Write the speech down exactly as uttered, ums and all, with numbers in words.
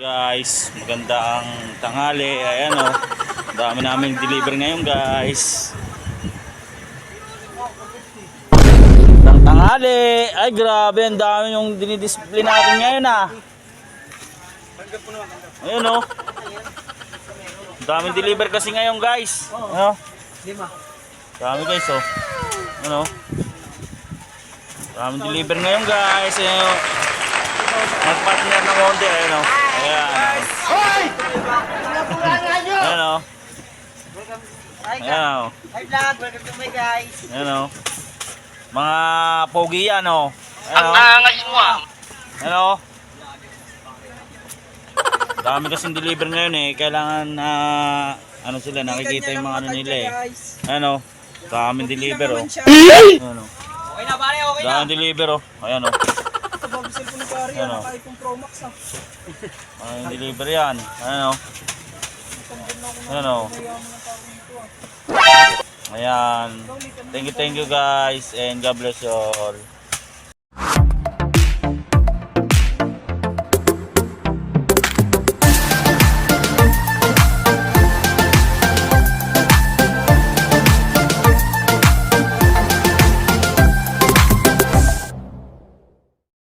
Guys, magandang tanghali. Ayan o, dami namin deliver ngayon guys. Magandang tanghali. Ay grabe, ang dami yung dinidisplay natin ngayon ah. Ayan o, daming deliver kasi ngayon guys. Ano? Dami guys o. Ano? Daming deliver ngayon guys. Ayan o, magpartner ng Honda. Ayan o. Ayan. Ayan o. Ayan o. Hi vlog, welcome to my guys. Ayan o. Mga pogi yan o. Ayan o. Ang angas mo ah. Ayan o. Dami kasing deliver ngayon eh. Kailangan na uh, ano sila, nakikita yung mga ano nila eh. Ayan o. Daming deliver o. Ayan o. Okay na pare, okay na. Daming deliver o. Ayan o. Bago cellphone ni pare, Ano? naka-iPhone Pro Max ah. Daming deliver yan. Ayan o. Ayan o. Ayan. Thank you, thank you guys. And God bless you all.